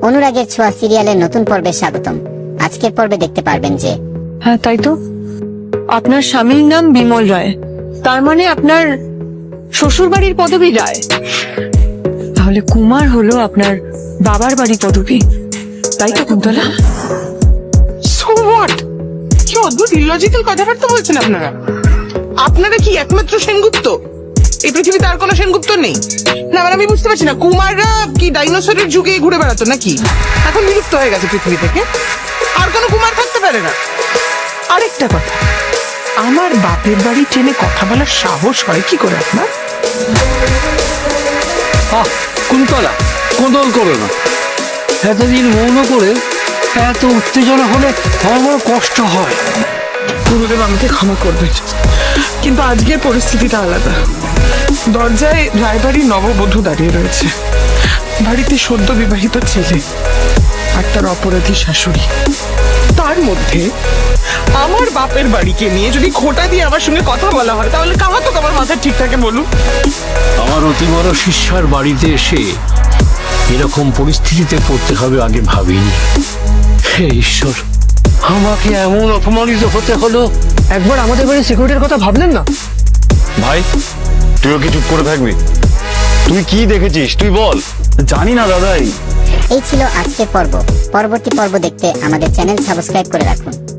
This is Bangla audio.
অনুরাগের ছোঁয়া সিরিয়ালের নতুন পর্বে স্বাগতম। আজকের পর্বে দেখতে পারবেন যে হ্যাঁ তাই তো, আপনার স্বামীর নাম বিমল রায়, তার মানে আপনার শ্বশুর বাড়ির পদবী রায়। তাহলে কুমার হলো আপনার বাবার বাড়ি পদবী, তাই তো কুন্তলা? So what? কি অদ্ভুত ইলজিক্যাল কথাবার্তা বলছেন আপনারা। আপনারা কি একমাত্র সেনগুপ্ত? এই পৃথিবীতে আর কোনো সেনগুপ্ত নেই? না মানে আমি বুঝতে পারছি না, কুমাররা কি ডাইনোসরের যুগে ঘুরে বেড়াতো নাকি? এখন বিলুপ্ত হয়ে গেছে পৃথিবী থেকে, আর কোনো কুমার থাকতে পারে না। আরেকটা কথা, আমার বাপের বাড়ি ট্রেনে কথা বলার সাহস হয় কি করে আপনার? কুন্তলা, কোদল করো না। এতদিন মৌন করে এত উত্তেজনা হলে আমার বড় কষ্ট হয়। গুরুদেব আমাকে ক্ষমা করবেন, কিন্তু আজকের পরিস্থিতিটা আলাদা। দরজায় রায়বাড়ির নববধূ দাঁড়িয়ে রয়েছে, বাড়িতে সদ্য বিবাহিত ছেলে আর তার অপরাধী শাশুড়ি। তার মধ্যে আমার বাপের বাড়িকে নিয়ে যদি খোঁটা দিয়ে আমার সঙ্গে কথা বলা হয়, তাহলে কাহাতো আমার মাথা ঠিক থাকে বলুন? আমার অতি বড় শিষ্যার বাড়িতে এসে এরকম পরিস্থিতিতে পড়তে হবে আগে ভাবিনি। হে ঈশ্বর, আমাকে এমন অপমানিত হতে হলো। একবার আমাদের বাড়ির সিকিউরিটির কথা ভাবলেন না? ভাই, তুইও কি চুপ করে থাকবি? তুই কি দেখেছিস তুই বল। জানি না দাদাই। এই ছিল আজকের পর্ব। পরবর্তী পর্ব দেখতে আমাদের চ্যানেল সাবস্ক্রাইব করে রাখুন।